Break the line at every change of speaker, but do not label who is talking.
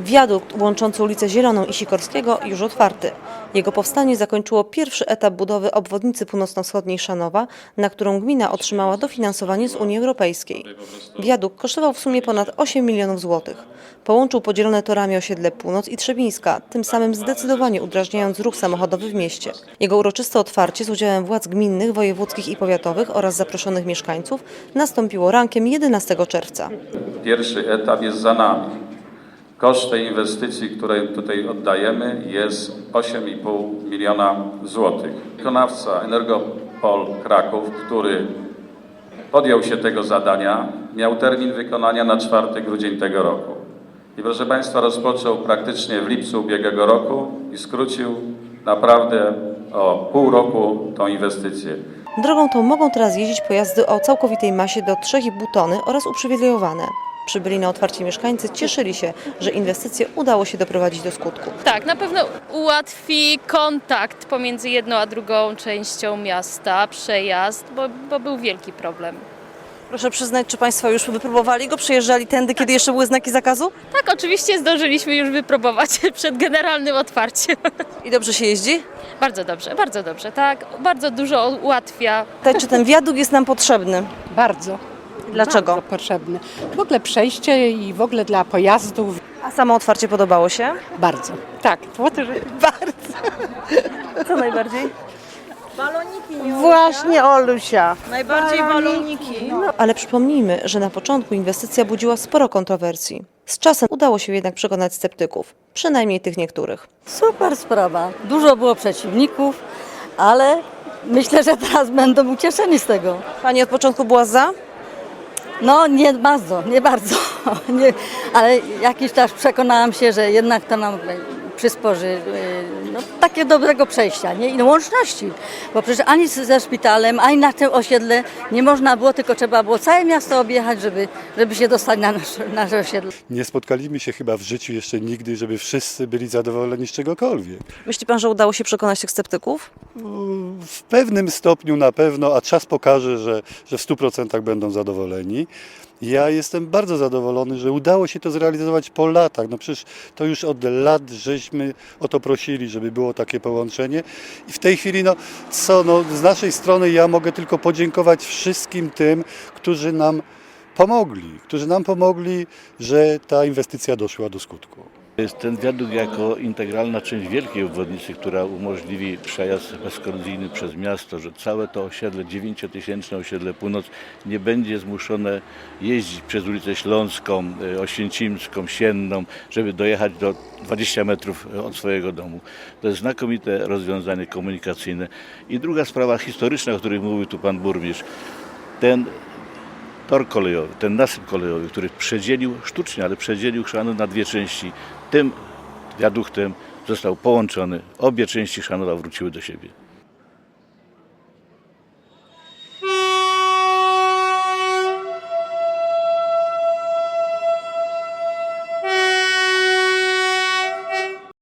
Wiadukt łączący ulicę Zieloną i Sikorskiego już otwarty. Jego powstanie zakończyło pierwszy etap budowy obwodnicy północno-wschodniej Szanowa, na którą gmina otrzymała dofinansowanie z Unii Europejskiej. Wiadukt kosztował w sumie ponad 8 milionów złotych. Połączył podzielone torami osiedle Północ i Trzebińska, tym samym zdecydowanie udrażniając ruch samochodowy w mieście. Jego uroczyste otwarcie z udziałem władz gminnych, wojewódzkich i powiatowych oraz zaproszonych mieszkańców nastąpiło rankiem 11 czerwca.
Pierwszy etap jest za nami. Koszt tej inwestycji, której tutaj oddajemy, jest 8,5 miliona złotych. Wykonawca Energopol Kraków, który podjął się tego zadania, miał termin wykonania na 4 grudzień tego roku. I proszę Państwa, rozpoczął praktycznie w lipcu ubiegłego roku i skrócił naprawdę o pół roku tą inwestycję.
Drogą tą mogą teraz jeździć pojazdy o całkowitej masie do 3,5 tony oraz uprzywilejowane. Przybyli na otwarcie mieszkańcy cieszyli się, że inwestycje udało się doprowadzić do skutku.
Tak, na pewno ułatwi kontakt pomiędzy jedną a drugą częścią miasta, przejazd, bo był wielki problem.
Proszę przyznać, czy Państwo już wypróbowali go? Przyjeżdżali tędy, kiedy jeszcze były znaki zakazu?
Tak, oczywiście zdążyliśmy już wypróbować przed generalnym otwarciem.
I dobrze się jeździ?
Bardzo dobrze, tak. Bardzo dużo ułatwia.
Czy ten wiadukt jest nam potrzebny?
Bardzo.
Dlaczego?
Bardzo potrzebny. W ogóle przejście i w ogóle dla pojazdów.
A samo otwarcie podobało się?
Bardzo. Tak, bardzo.
Co najbardziej?
Właśnie Olusia.
Najbardziej baloniki. Ale przypomnijmy, że na początku inwestycja budziła sporo kontrowersji. Z czasem udało się jednak przekonać sceptyków, przynajmniej tych niektórych.
Super sprawa. Dużo było przeciwników, ale myślę, że teraz będą ucieszeni z tego.
Pani od początku była za?
No nie bardzo, nie bardzo, nie, ale jakiś czas przekonałam się, że jednak to nam przysporzy takie dobrego przejścia, nie? I łączności, bo przecież ani ze szpitalem, ani na tym osiedle nie można było, tylko trzeba było całe miasto objechać, żeby się dostać na nasze osiedle.
Nie spotkaliśmy się chyba w życiu jeszcze nigdy, żeby wszyscy byli zadowoleni z czegokolwiek.
Myśli Pan, że udało się przekonać tych sceptyków?
W pewnym stopniu na pewno, a czas pokaże, że w 100% będą zadowoleni. Ja jestem bardzo zadowolony, że udało się to zrealizować po latach. No przecież to już od lat żeśmy o to prosili, żeby było takie połączenie. I w tej chwili, z naszej strony ja mogę tylko podziękować wszystkim tym, którzy nam pomogli, że ta inwestycja doszła do skutku.
Jest ten wiadukt jako integralna część wielkiej obwodnicy, która umożliwi przejazd bezkolizyjny przez miasto, że całe to osiedle, 9-tysięczne osiedle Północ nie będzie zmuszone jeździć przez ulicę Śląską, Oświęcimską, Sienną, żeby dojechać do 20 metrów od swojego domu. To jest znakomite rozwiązanie komunikacyjne. I druga sprawa historyczna, o której mówił tu pan burmistrz. Ten tor kolejowy, ten nasyp kolejowy, który sztucznie, ale przedzielił Chrzanów na dwie części, tym wiaduktem został połączony. Obie części Chrzanowa wróciły do siebie.